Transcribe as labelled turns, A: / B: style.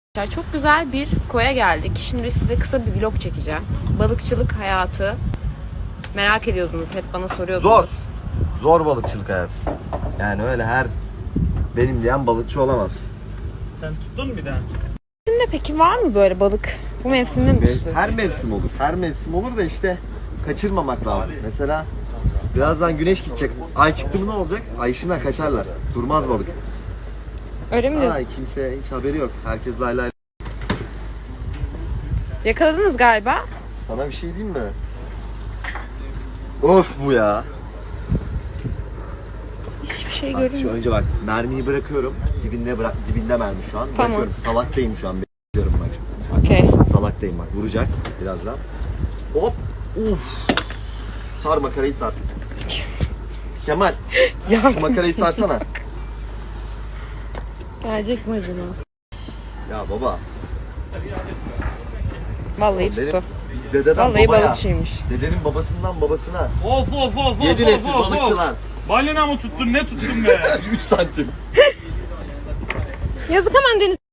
A: Çok güzel bir koya geldik. Şimdi size kısa bir vlog çekeceğim. Balıkçılık hayatı merak ediyordunuz, hep bana soruyordunuz.
B: Zor. Zor balıkçılık hayatı. Yani öyle her benim diyen balıkçı olamaz.
C: Sen tuttun mu bir daha?
A: Şimdi peki var mı böyle balık? Bu mevsimde mi tutuyor?
B: Her mevsim olur. Her mevsim olur da işte kaçırmamak lazım. Mesela birazdan güneş gidecek. Ay çıktı mı ne olacak? Ay ışığına kaçarlar. Durmaz balık.
A: Öyle mi diyorsun?
B: Ay kimse hiç haberi yok. Herkes lay lay.
A: Yakaladınız galiba.
B: Sana bir şey diyeyim mi? Of bu ya.
A: Hiçbir şey
B: Bak,
A: görünmüyor.
B: şu önce bak mermiyi bırakıyorum. Dibinde mermi şu an.
A: Tamam.
B: Bırakıyorum. Salaktayım şu an. Bekliyorum bak.
A: Okey.
B: Salaktayım bak. Vuracak birazdan. Hop. Uf. Sar makarayı sar. Kemal. Şu makarayı sarsana.
A: Gelecek mi acaba?
B: Ya baba.
A: Vallahi
B: Benim,
A: tuttu.
B: biz dededen
A: Vallahi
B: babaya.
A: balıkçıymış.
B: Dedenin babasından babasına.
C: Of of of
B: 7
C: of
B: nesil
C: of, of.
B: balıkçı lan.
C: Balina mı tuttun ne tuttun be?
B: 3 santim.
A: Yazık, hemen deniz